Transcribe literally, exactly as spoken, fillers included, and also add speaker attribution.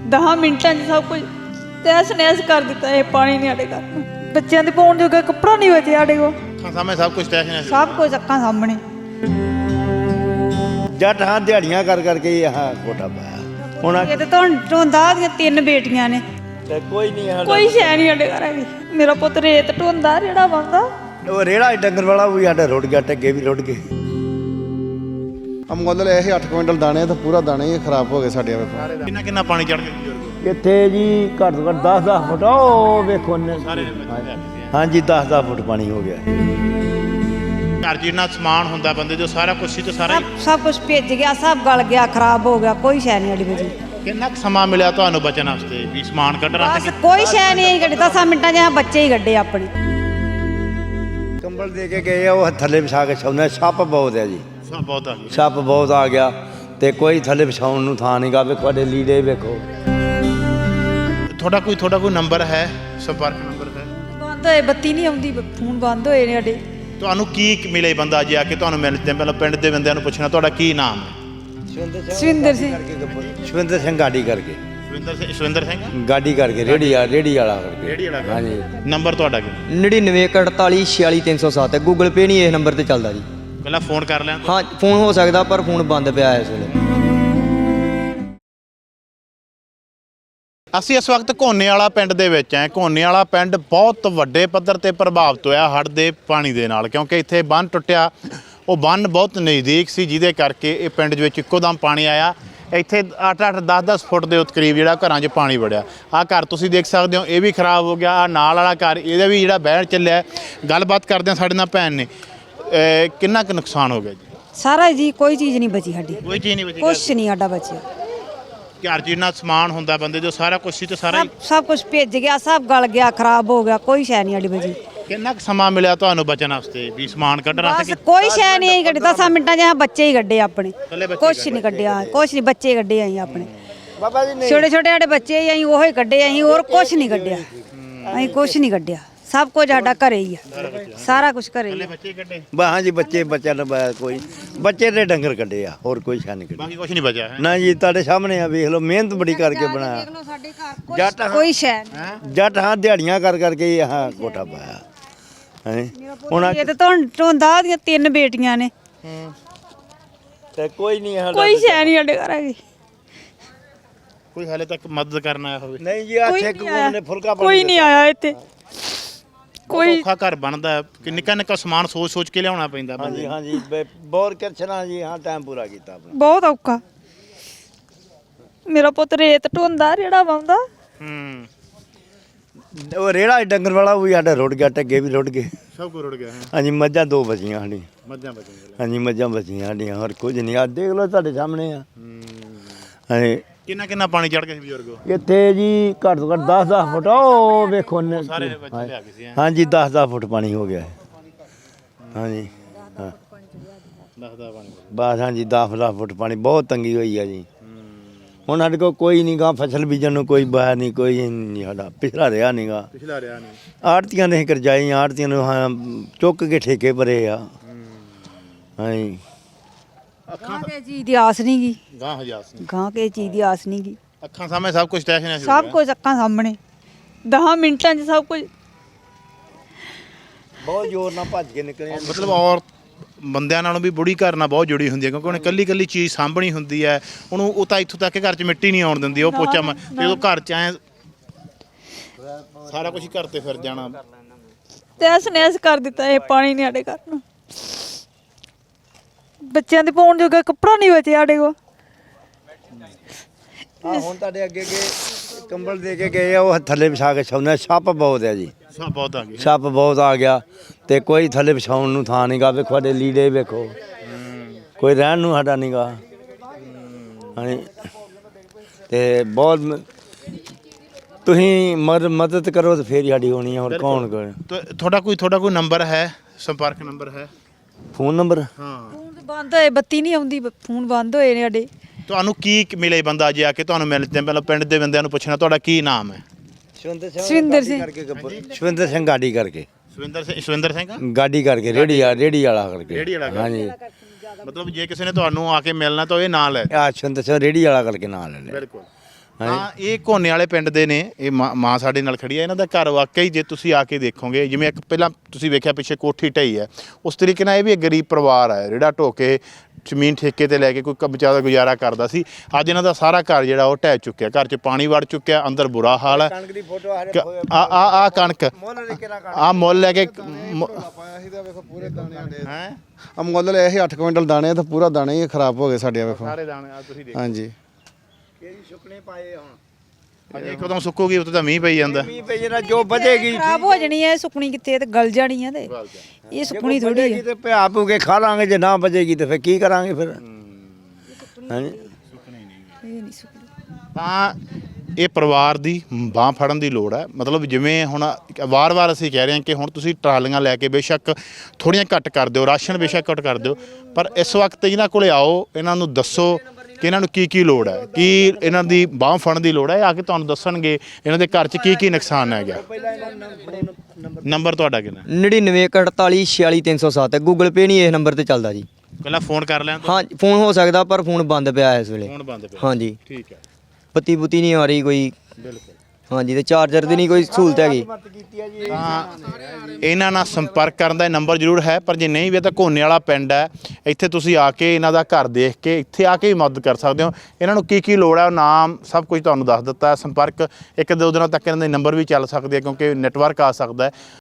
Speaker 1: दस मिनटां 'ਚ सब कुछ तहस नहस कर दिता। ये पानी नहीं साढ़े घर बच्चों के पाउण जोगा कपड़ा नहीं बचे साढ़े को
Speaker 2: सामने सब कुछ तहस नहस
Speaker 1: सब कुछ अक्खां सामने।
Speaker 3: जट हाँ दिहाड़ियां कर करके यहाँ कोठा पाया हुण
Speaker 1: ये तो ढोंदा दियां तीन बेटियां ने
Speaker 3: ते कोई नहीं है
Speaker 1: कोई शै नहीं साढ़े घर हैगी। मेरा पुत्त रेत ढोंदा रेड़ा पांदा
Speaker 3: वो रेड़ा डंगर वाला भी साडा रुड़ गया टगे भी रुड़ गए।
Speaker 4: हम मुੱਲ ਇਹ ਅੱਠ ਕੁਇੰਟਲ ਦਾਣੇ ਤਾਂ ਪੂਰਾ ਦਾਣੇ ਹੀ ਖਰਾਬ ਹੋ ਗਏ ਸਾਡੇ ਵੇਖੋ।
Speaker 2: ਕਿੰਨਾ ਕਿੰਨਾ ਪਾਣੀ ਚੜ ਗਿਆ ਬਜ਼ੁਰਗ
Speaker 3: ਇੱਥੇ ਜੀ ਘੱਟ ਤੋਂ ਘੱਟ ਦਸ ਦਸ ਫੁੱਟ ਉਹ ਵੇਖੋ ਨੇ
Speaker 2: ਸਾਰੇ
Speaker 3: ਹਾਂਜੀ ਦਸ ਦਸ ਫੁੱਟ ਪਾਣੀ ਹੋ ਗਿਆ।
Speaker 2: ਘਰ ਜਿੰਨਾ ਸਮਾਨ ਹੁੰਦਾ ਬੰਦੇ ਜੋ ਸਾਰਾ ਕੁਝ ਸੀ ਤੇ ਸਾਰਾ
Speaker 1: सब सब कुछ भीज गया सब गल गया खराब हो गया कोई शै नहीं साड़ी बची।
Speaker 2: ਕਿੰਨਾ ਕੁ ਸਮਾਂ ਮਿਲਿਆ ਤੁਹਾਨੂੰ ਬਚਣ ਵਾਸਤੇ ਵੀ ਸਮਾਨ ਕੱਢਣਾ
Speaker 1: बस कोई शै नहीं कड्ढी दस मिनटां 'ਚ बच्चे ही कड्ढे अपने।
Speaker 3: ਕੰਬਲ ਦੇ ਕੇ ਗਏ ਆ ਉਹ ਥੱਲੇ ਵਿਛਾ ਕੇ ਸੌਂਦੇ ਸੱਪ ਬਹੁਤ ਹੈ ਜੀ
Speaker 2: ਸਭ ਬਹੁਤ ਆ ਗਿਆ
Speaker 3: ਸੱਪ ਬਹੁਤ ਆ ਗਿਆ ਤੇ ਕੋਈ ਥੱਲੇ ਵਿਛਾਉਣ ਨੂੰ ਥਾਂ ਨਹੀਂ ਗਾ ਵੇਖੋ ਤੁਹਾਡੇ ਲੀੜੇ ਵੇਖੋ।
Speaker 2: ਤੁਹਾਡਾ ਕੋਈ ਤੁਹਾਡਾ ਕੋਈ ਨੰਬਰ ਹੈ ਸੰਪਰਕ ਨੰਬਰ ਹੈ
Speaker 1: ਬੰਦ ਹੋਏ ਬੱਤੀ ਨਹੀਂ ਆਉਂਦੀ ਫੋਨ ਬੰਦ ਹੋਏ ਨੇ ਸਾਡੇ।
Speaker 2: ਤੁਹਾਨੂੰ ਕੀ ਮਿਲੇ ਬੰਦਾ ਜੇ ਆ ਕੇ ਤੁਹਾਨੂੰ ਮਿਲਦੇ ਪਹਿਲਾਂ ਪਿੰਡ ਦੇ ਬੰਦਿਆਂ ਨੂੰ ਪੁੱਛਣਾ ਤੁਹਾਡਾ ਕੀ ਨਾਮ ਹੈ
Speaker 1: ਸਵਿੰਦਰ ਸਿੰਘ
Speaker 3: ਸ਼ਵਿੰਦਰ ਸਿੰਘ ਗਾਡੀ ਕਰਕੇ
Speaker 2: ਸੁਵਿੰਦਰ ਸਿੰਘ ਸੁਵਿੰਦਰ ਸਿੰਘ
Speaker 3: ਗਾਡੀ ਕਰਕੇ ਰੇੜੀ ਆ ਰੇੜੀ ਵਾਲਾ ਕਰਕੇ
Speaker 2: ਰੇਹੜੀ ਵਾਲਾ
Speaker 3: ਹਾਂਜੀ
Speaker 2: ਨੰਬਰ ਤੁਹਾਡਾ ਕੀ
Speaker 5: ਨੜਿਨਵੇਂ ਇੱਕ ਅੜਤਾਲੀ ਛਿਆਲੀ ਤਿੰਨ ਸੌ ਸੱਤ ਹੈ। ਗੂਗਲ ਪੇ ਨਹੀਂ ਇਸ ਨੰਬਰ ਤੇ ਚੱਲਦਾ ਜੀ।
Speaker 2: ਪਹਿਲਾਂ ਫੋਨ ਕਰ ਲਿਆ
Speaker 5: ਹਾਂ ਫੋਨ ਹੋ ਸਕਦਾ ਪਰ ਫੋਨ ਬੰਦ ਪਿਆ ਇਸ ਵੇਲੇ।
Speaker 2: ਅਸੀਂ ਇਸ ਵਕਤ ਘੋਨੇ ਵਾਲਾ ਪਿੰਡ ਦੇ ਵਿੱਚ ਹਾਂ। ਘੋਨੇ ਵਾਲਾ ਪਿੰਡ ਬਹੁਤ ਵੱਡੇ ਪੱਧਰ ਤੇ ਪ੍ਰਭਾਵਿਤ ਹੋਇਆ ਹੜ੍ਹ ਦੇ ਪਾਣੀ ਦੇ ਨਾਲ ਕਿਉਂਕਿ ਇੱਥੇ ਬੰਨ੍ਹ ਟੁੱਟਿਆ। ਉਹ ਬੰਨ੍ਹ ਬਹੁਤ ਨਜ਼ਦੀਕ ਸੀ ਜਿਹਦੇ ਕਰਕੇ ਇਹ ਪਿੰਡ ਦੇ ਵਿੱਚ ਇੱਕੋ ਦਮ ਪਾਣੀ ਆਇਆ। ਇੱਥੇ ਅੱਠ ਅੱਠ ਦਸ ਦਸ ਫੁੱਟ ਦੇ ਉੱਤੇ ਕਰੀਬ ਜਿਹੜਾ ਘਰਾਂ 'ਚ ਪਾਣੀ ਵੜਿਆ। ਆਹ ਘਰ ਤੁਸੀਂ ਦੇਖ ਸਕਦੇ ਹੋ ਇਹ ਵੀ ਖਰਾਬ ਹੋ ਗਿਆ। ਆਹ ਨਾਲ ਵਾਲਾ ਘਰ ਇਹਦਾ ਵੀ ਜਿਹੜਾ ਬਹਿਣ ਚੱਲਿਆ। ਗੱਲਬਾਤ ਕਰਦੇ ਹਾਂ ਸਾਡੇ ਨਾਲ ਭੈਣ ਨੇ ਕਿੰਨਾ ਕੁ ਨੁਕਸਾਨ ਹੋ ਗਿਆ ਜੀ
Speaker 1: ਸਾਰਾ ਜੀ ਕੋਈ ਚੀਜ਼ ਨਹੀਂ ਬਚੀ ਸਾਡੀ
Speaker 2: ਕੋਈ ਚੀਜ਼ ਨਹੀਂ ਬਚੀ
Speaker 1: ਕੁਛ ਨਹੀਂ ਸਾਡਾ ਬਚਿਆ।
Speaker 2: ਘਰ ਜਿੰਨਾ ਸਮਾਨ ਹੁੰਦਾ ਬੰਦੇ ਜੋ ਸਾਰਾ ਕੁਝ ਸੀ ਤੇ ਸਾਰਾ
Speaker 1: सब सब कुछ भीज गया सब गल गया खराब हो गया कोई शै नहीं साड़ी बची।
Speaker 2: ਕਿੰਨਾ ਕੁ ਸਮਾਂ ਮਿਲਿਆ ਤੁਹਾਨੂੰ ਬਚਣ ਵਾਸਤੇ ਵੀ ਸਮਾਨ ਕੱਢਣਾ
Speaker 1: बस कोई शै नहीं कड्ढी दस मिनटां 'ਚ बच्चे ही कड्ढे अपने
Speaker 2: ਕੱਲੇ ਬੱਚੇ
Speaker 1: कुछ नहीं कड्ढिया कुछ नहीं बच्चे कड्ढे असीं अपने
Speaker 3: ਬਾਬਾ ਜੀ
Speaker 1: छोटे छोटे साढ़े बच्चे ही असीं ओही कड्ढे असीं और कुछ नहीं कड्ढिया असीं कुछ नहीं कड्ढिया सब कुछ साਡਾ घरे ही है सारा कुछ घरे ही है।
Speaker 2: ਬੱਚੇ ਕੱਢੇ
Speaker 3: ਹਾਂਜੀ ਬੱਚੇ ਬੱਚਿਆਂ ਨੂੰ ਬ- ਕੋਈ ਬੱਚੇ ਦੇ ਡੰਗਰ ਕੱਢੇ ਆ ਹੋਰ ਕੋਈ ਸ਼ਾਨ ਨਹੀਂ ਕੱਢੀ
Speaker 2: ਬਾਕੀ ਕੁਝ ਨਹੀਂ ਬਚਿਆ ਹੈ
Speaker 3: ਨਾ ਜੀ ਤੁਹਾਡੇ ਸਾਹਮਣੇ ਆ ਵੇਖ ਲਓ ਮਿਹਨਤ ਬੜੀ ਕਰਕੇ ਬਣਾਇਆ।
Speaker 1: ਸਾਡੇ ਘਰ
Speaker 3: ਜੱਟ ਹਾਂ-
Speaker 1: कोई शै नहीं।
Speaker 3: ਜੱਟ ਹਾਂ ਦਿਹਾੜੀਆਂ ਕਰ ਕਰਕੇ यहाँ ਕੋਠਾ ਪਾਇਆ ਹੈ ਹੁਣ
Speaker 1: ਇਹ ਤਾਂ ਤੋਂ ਢੋਂਦਾ ਦੀਆਂ ਤਿੰਨ ਬੇਟੀਆਂ ਨੇ
Speaker 3: ਤੇ ਕੋਈ ਨਹੀਂ ਸਾਡਾ
Speaker 1: ਕੋਈ ਸ਼ੈ ਨਹੀਂ ਸਾਡੇ ਘਰ ਹੈਗੀ।
Speaker 2: ਕੋਈ ਹਾਲੇ ਤੱਕ ਮਦਦ ਕਰਨ ਆਇਆ ਹੋਵੇ
Speaker 3: ਨਹੀਂ ਜੀ ਆ
Speaker 1: ਕੋਈ
Speaker 3: ਛੇਕ
Speaker 1: ਨਹੀਂ ਆਇਆ।
Speaker 3: ਨੇ ਫੁਲਕਾ
Speaker 1: ਕੋਈ ਨਹੀਂ ਆਇਆ ਇੱਥੇ
Speaker 2: ਕੋਈ
Speaker 1: ਕੋਈ
Speaker 2: ਔਖਾ ਘਰ ਬਣਦਾ ਹੈ ਕਿ ਨਿੱਕਾ ਨਿੱਕਾ ਸਮਾਨ ਸੋਚ ਸੋਚ ਕੇ ਲਿਆਉਣਾ ਪੈਂਦਾ ਬੰਦੇ
Speaker 3: ਹਾਂਜੀ
Speaker 2: ਨੂੰ।
Speaker 3: ਹਾਂਜੀ ਬੇ- ਬੋਰ ਕਰਛਣਾ ਜੀ ਹਾਂ ਟਾਈਮ ਪੂਰਾ ਕੀਤਾ ਆਪਣਾ।
Speaker 1: ਬਹੁਤ ਔਖਾ। ਮੇਰਾ ਪੁੱਤ ਰੇਤ ਢੋਂਦਾ ਰੇੜਾ ਪਾਉਂਦਾ
Speaker 2: ਹੂੰ
Speaker 3: ਉਹ ਰੇੜਾ ਡੰਗਰ ਵਾਲਾ ਵੀ ਸਾਡਾ ਰੁੜ ਗਿਆ ਟੱਗੇ ਵੀ ਰੁੜ ਗਏ।
Speaker 2: ਸਭ ਕੁਝ ਰੁੜ ਗਿਆ ਹੈ
Speaker 3: ਹਾਂਜੀ ਮੱਝਾਂ ਦੋ ਬਚੀਆਂ ਸਾਡੀਆਂ
Speaker 2: ਮੱਝਾਂ ਬਚੀਆਂ
Speaker 3: ਹਾਂਜੀ ਮੱਝਾਂ ਬਚੀਆਂ ਸਾਡੀਆਂ ਹੋਰ ਕੁਝ ਨਹੀਂ ਆ ਦੇਖ ਲਓ ਤੁਹਾਡੇ ਸਾਹਮਣੇ ਆ ਹਾਂਜੀ
Speaker 2: ਕਿੰਨਾ ਕਿੰਨਾ ਪਾਣੀ ਚੜ ਗਿਆ ਸੀ ਬਜ਼ੁਰਗੋ
Speaker 3: ਇੱਥੇ ਜੀ ਘੱਟ ਤੋਂ ਘੱਟ ਦਸ ਦਸ ਫੁੱਟ ਉਹ ਵੇਖੋ ਨੇ
Speaker 2: ਸਾਰੇ ਬੱਚੇ ਲਿਆ ਗਏ ਸੀ ਹੈਂ?
Speaker 3: ਹਾਂਜੀ ਦਸ ਦਸ ਫੁੱਟ ਪਾਣੀ ਹੋ ਗਿਆ ਹੈ। ਹਾਂਜੀ ਹਾਂ
Speaker 2: ਦੱਸਦਾ ਪਾਣੀ
Speaker 3: ਬਸ ਹਾਂਜੀ ਦਸ ਦਸ ਫੁੱਟ ਪਾਣੀ ਬਹੁਤ ਤੰਗੀ ਹੋਈ ਆ ਜੀ। ਹੁਣ ਸਾਡੇ ਕੋਲ ਕੋਈ ਨਹੀਂ ਗਾ ਫਸਲ ਬੀਜਣ ਨੂੰ ਕੋਈ ਬਾਹਰ ਨਹੀਂ ਕੋਈ ਨਹੀਂ ਸਾਡਾ ਪਿਛਲਾ ਰਿਹਾ ਨਹੀਂ ਗਾ।
Speaker 2: ਪਿਛਲਾ ਰਿਹਾ ਨਹੀਂ
Speaker 3: ਆੜਤੀਆਂ ਨੇ ਕਰਜਾਈ ਆੜਤੀਆਂ ਨੂੰ ਹਾਂ ਚੁੱਕ ਕੇ ਠੇਕੇ ਭਰੇ ਆ ਹਾਂਜੀ
Speaker 1: ਗਾਂ ਕੇ ਚੀਜ਼ ਦੀ ਆਸ ਨਹੀਂ ਗੀ
Speaker 2: ਗਾਂ ਹਜ਼ਾਰ ਸੀ
Speaker 1: ਗਾਂ ਕੇ ਚੀਜ਼ ਦੀ ਆਸ ਨਹੀਂ ਗੀ
Speaker 2: ਅੱਖਾਂ ਸਾਹਮਣੇ ਸਭ ਕੁਝ ਤੈਸ਼ ਨਹੀਂ
Speaker 1: ਸਭ ਕੁਝ ਅੱਖਾਂ ਸਾਹਮਣੇ ਦਸ ਮਿੰਟਾਂ 'ਚ ਸਭ ਕੁਝ।
Speaker 3: ਬਹੁਤ ਜ਼ੋਰ ਨਾਲ ਭੱਜ ਕੇ ਨਿਕਲੇ ਆ।
Speaker 2: ਮਤਲਬ ਔਰ ਬੰਦਿਆਂ ਨਾਲੋਂ ਵੀ ਬੁੜੀ ਘਰ ਨਾਲ ਬਹੁਤ ਜੁੜੀ ਹੁੰਦੀ ਹੈ ਕਿਉਂਕਿ ਉਹਨੇ ਕੱਲੀ ਕੱਲੀ ਚੀਜ਼ ਸਾਂਭਣੀ ਹੁੰਦੀ ਹੈ। ਉਹਨੂੰ ਉਹ ਤਾਂ ਇੱਥੋਂ ਤੱਕ ਘਰ 'ਚ ਮਿੱਟੀ ਨਹੀਂ ਆਉਣ ਦਿੰਦੀ ਉਹ ਪੋਚਾ ਮ- ਜਦੋਂ ਘਰ 'ਚ ਆਏ ਸਾਰਾ ਕੁਝ ਘਰ ਤੇ ਫਿਰ ਜਾਣਾ
Speaker 1: ਤਹਿਸ ਨਹਿਸ ਕਰ ਦਿੱਤਾ। ਇਹ ਪਾਣੀ ਨਹੀਂ ਸਾਡੇ ਘਰ ਨੂੰ ਬੱਚਿਆਂ ਦੇ ਪਾਉਣ ਜੋਗਾ ਕੱਪੜਾ ਨਹੀਂ ਬਚੇ ਸਾਡੇ ਕੋਲ।
Speaker 3: ਆ ਹੁਣ ਤੁਹਾਡੇ ਅੱਗੇ ਅੱਗੇ ਕੰਬਲ ਦੇ ਕੇ ਗਏ ਆ ਉਹ ਥੱਲੇ ਵਿਛਾ ਕੇ ਸੌਂਦੇ ਸੱਪ ਬਹੁਤ ਹੈ ਜੀ
Speaker 2: ਸਭ ਬਹੁਤ ਆ ਗਏ
Speaker 3: ਸੱਪ ਬਹੁਤ ਆ ਗਿਆ ਤੇ ਕੋਈ ਥੱਲੇ ਵਿਛਾਉਣ ਨੂੰ ਥਾਂ ਨਹੀਂ ਗਾ ਵੇਖੋ ਤੁਹਾਡੇ ਲੀੜੇ ਵੇਖੋ ਕੋਈ ਰਹਿਣ ਨੂੰ ਸਾਡਾ ਨਹੀਂ ਗਾ ਹਾਂਜੀ ਤੇ ਬਹੁਤ ਮ- ਤੁਸੀਂ ਮਦ ਮਦਦ ਕਰੋ ਤੇ ਫੇਰ ਹੀ ਸਾਡੀ ਹੋਣੀ ਹੈ ਹੋਰ ਕੌਣ ਕਰੇ।
Speaker 2: ਤੁ- ਤੁਹਾਡਾ ਕੋਈ ਤੁਹਾਡਾ ਕੋਈ ਨੰਬਰ ਹੈ ਸੰਪਰਕ ਨੰਬਰ ਹੈ
Speaker 3: ਫੋਨ ਨੰਬਰ
Speaker 2: ਹਾਂ
Speaker 1: ਫੋਨ ਬੰਦ ਹੋਏ ਬੱਤੀ ਨਹੀਂ ਆਉਂਦੀ ਫੋਨ ਬੰਦ ਹੋਏ ਨੇ ਸਾਡੇ।
Speaker 2: ਤੁਹਾਨੂੰ ਕੀ ਮਿਲੇ ਬੰਦਾ ਜੇ ਆ ਕੇ ਤੁਹਾਨੂੰ ਮਿਲਦੇ ਪਹਿਲਾਂ ਪਿੰਡ ਦੇ ਬੰਦਿਆਂ ਨੂੰ ਪੁੱਛਣਾ ਤੁਹਾਡਾ ਕੀ ਨਾਮ ਹੈ
Speaker 1: ਸਵਿੰਦਰ ਸਿੰਘ
Speaker 3: ਸ਼ਵਿੰਦਰ ਸਿੰਘ ਗਾਡੀ ਕਰਕੇ
Speaker 2: ਸੁਵਿੰਦਰ ਸਿੰਘ ਸੁਵਿੰਦਰ ਸਿੰਘ
Speaker 3: ਗਾਡੀ ਕਰਕੇ ਰੇੜੀ ਆ ਰੇੜੀ ਵਾਲਾ ਕਰਕੇ
Speaker 2: ਰੇਹੜੀ ਵਾਲਾ ਕਰਕੇ।
Speaker 3: ਹਾਂਜੀ
Speaker 2: ਮਤਲਬ ਜੇ ਕਿਸੇ ਨੇ ਤੁਹਾਨੂੰ ਆ ਕੇ ਮਿਲਣਾ ਤਾਂ ਇਹ ਨਾਲ ਹੈ
Speaker 3: ਆ ਸ਼ਵਿੰਦਰ ਸਿੰਘ ਰੇੜੀ ਵਾਲਾ ਕਰਕੇ ਨਾਂ ਲੈ ਲਿਆ
Speaker 2: ਬਿਲਕੁਲ ਹਾਂ ਇਹ ਘੋਨੇ ਵਾਲੇ ਪਿੰਡ ਦੇ ਨੇ ਇਹ ਮਾਂ ਮਾਂ ਸਾਡੇ ਨਾਲ ਖੜੀ ਹੈ ਇਹਨਾਂ ਦਾ ਘਰ ਵਾਕਈ ਜੇ ਤੁਸੀਂ ਆ ਕੇ ਦੇਖੋਗੇ ਜਿਵੇਂ ਇੱਕ ਪਹਿਲਾਂ ਤੁਸੀਂ ਵੇਖਿਆ ਪਿੱਛੇ ਕੋਠੀ ਢਈ ਹੈ ਉਸ ਤਰੀਕੇ ਨਾਲ ਇਹ ਵੀ ਇੱਕ ਗਰੀਬ ਪਰਿਵਾਰ ਹੈ ਜਿਹੜਾ ਢੋ ਕੇ ਜ਼ਮੀਨ ਠੇਕੇ ਤੇ ਲੈ ਕੇ ਕੋਈ ਕਬਜ਼ਾ ਦਾ ਗੁਜ਼ਾਰਾ ਕਰਦਾ ਸੀ ਅੱਜ ਇਹਨਾਂ ਦਾ ਸਾਰਾ ਘਰ ਜਿਹੜਾ ਉਹ ਢਹਿ ਚੁੱਕਿਆ ਘਰ 'ਚ ਪਾਣੀ ਵੜ ਚੁੱਕਿਆ ਅੰਦਰ ਬੁਰਾ ਹਾਲ ਹੈ
Speaker 3: ਕਣਕ ਦੀ ਫੋਟੋ
Speaker 2: ਆ ਆ ਆ ਕਣਕ ਆ ਮੁੱਲ ਲੈ ਕੇ
Speaker 4: ਪਾਇਆ ਸੀ ਤਾਂ ਵੇਖੋ ਪੂਰੇ ਦਾਣੇ ਆਂਦੇ
Speaker 2: ਹੈ
Speaker 4: ਆ ਮੁੱਲ ਲਿਆ ਸੀ ਅੱਠ ਕੁਇੰਟਲ ਦਾਣੇ ਤਾਂ ਪੂਰਾ ਦਾਣੇ ਹੀ ਖਰਾਬ ਹੋ ਗਏ ਸਾਡੇ ਵੇਖੋ
Speaker 2: ਸਾਰੇ ਦਾਣੇ ਆ ਤੁਸੀਂ ਦੇਖੋ
Speaker 4: ਹਾਂਜੀ
Speaker 3: ਸੁੱਕਣੇ ਪਾਏ ਹੁਣ
Speaker 2: ਅਜੇ ਕਦੋਂ ਸੁੱਕੂਗੀ ਉੱਤੇ ਤਾਂ ਮੀਂਹ ਪਈ ਜਾਂਦਾ
Speaker 3: ਮੀਂਹ ਪਈ ਜਿਹੜਾ ਜੋ ਵਧੇਗੀ
Speaker 1: ਖਰਾਬ ਹੋ ਜਾਣੀ ਹੈ ਸੁੱਕਣੀ ਕਿੱਥੇ ਤੇ ਗਲ ਜਾਣੀ ਹੈ ਤੇ ਇਹ ਸੁੱਕਣੀ ਥੋੜੀ ਹੈ
Speaker 3: ਤੇ ਪਿਆ ਪੂ ਕੇ ਖਾ ਲਾਂਗੇ ਜੇ ਨਾ ਬਚੇਗੀ ਤੇ ਫਿਰ ਕੀ ਕਰਾਂਗੇ ਫਿਰ ਹਾਂਜੀ
Speaker 1: ਇਹ ਨਹੀਂ ਸੁੱਕਣੀ
Speaker 2: ਤਾਂ ਇਹ ਪਰਿਵਾਰ ਦੀ ਬਾਂਹ ਫੜਨ ਦੀ ਲੋੜ ਹੈ ਮਤਲਬ ਜਿਵੇਂ ਹੁਣ ਵਾਰ-ਵਾਰ ਅਸੀਂ ਕਹਿ ਰਹੇ ਹਾਂ ਕਿ ਹੁਣ ਤੁਸੀਂ ਟਰਾਲੀਆਂ ਲੈ ਕੇ ਬੇਸ਼ੱਕ ਥੋੜ੍ਹੀਆਂ ਘੱਟ ਕਰ ਦਿਓ ਰਾਸ਼ਨ ਬੇਸ਼ੱਕ ਘੱਟ ਕਰ ਦਿਓ ਪਰ ਇਸ ਵਕਤ ਇਹਨਾਂ ਕੋਲੇ ਆਓ ਇਹਨਾਂ ਨੂੰ ਦੱਸੋ ਕਿ ਇਹਨਾਂ ਨੂੰ ਕੀ ਕੀ ਲੋੜ ਹੈ ਕੀ ਇਹਨਾਂ ਦੀ ਬਾਂਹ ਫੜਨ ਦੀ ਲੋੜ ਹੈ ਆ ਕੇ ਤੁਹਾਨੂੰ ਦੱਸਣਗੇ ਇਹਨਾਂ ਦੇ ਘਰ 'ਚ ਕੀ ਕੀ ਨੁਕਸਾਨ ਹੈ ਗਿਆ ਨੰਬਰ ਤੁਹਾਡਾ ਕਿੰਨਾ
Speaker 5: ਨੜਿਨਵੇਂ ਇੱਕ ਅਠਤਾਲੀ ਛਿਆਲੀ ਤਿੰਨ ਸੌ ਸੱਤ ਗੂਗਲ ਪੇ ਨਹੀਂ ਇਸ ਨੰਬਰ ਤੇ ਚੱਲਦਾ ਜੀ
Speaker 2: ਪਹਿਲਾਂ ਫੋਨ ਕਰ ਲੈਣ
Speaker 5: ਹਾਂ ਫੋਨ ਹੋ ਸਕਦਾ ਪਰ ਫੋਨ ਬੰਦ ਪਿਆ ਇਸ ਵੇਲੇ
Speaker 2: ਫੋਨ ਬੰਦ ਪਿਆ
Speaker 5: ਹਾਂਜੀ
Speaker 2: ਠੀਕ ਹੈ
Speaker 5: ਬੱਤੀ ਬੁੱਤੀ ਨਹੀਂ ਆ ਰਹੀ ਕੋਈ
Speaker 2: ਬਿਲਕੁਲ
Speaker 5: ਹਾਂਜੀ ਤੇ ਚਾਰਜਰ ਦੀ ਨਹੀਂ ਕੋਈ ਸਹੂਲਤ ਹੈਗੀ
Speaker 2: ਤਾਂ ਇਹਨਾਂ ਨਾਲ ਸੰਪਰਕ ਕਰਨ ਦਾ ਨੰਬਰ ਜ਼ਰੂਰ ਹੈ ਪਰ ਜੇ ਨਹੀਂ ਵੀ ਤਾਂ ਘੋਨੇ ਵਾਲਾ ਪਿੰਡ ਹੈ ਇੱਥੇ ਤੁਸੀਂ ਆ ਕੇ ਇਹਨਾਂ ਦਾ ਘਰ ਦੇਖ ਕੇ ਇੱਥੇ ਆ ਕੇ ਵੀ ਮਦਦ ਕਰ ਸਕਦੇ ਹੋ ਇਹਨਾਂ ਨੂੰ ਕੀ ਕੀ ਲੋੜ ਹੈ ਉਹ ਨਾਮ ਸਭ ਕੁਝ ਤੁਹਾਨੂੰ ਦੱਸ ਦਿੱਤਾ ਸੰਪਰਕ ਇੱਕ ਦੋ ਦਿਨਾਂ ਤੱਕ ਇਹਨਾਂ ਦੇ ਨੰਬਰ ਵੀ ਚੱਲ ਸਕਦੇ ਆ ਕਿਉਂਕਿ ਨੈਟਵਰਕ ਆ ਸਕਦਾ ਹੈ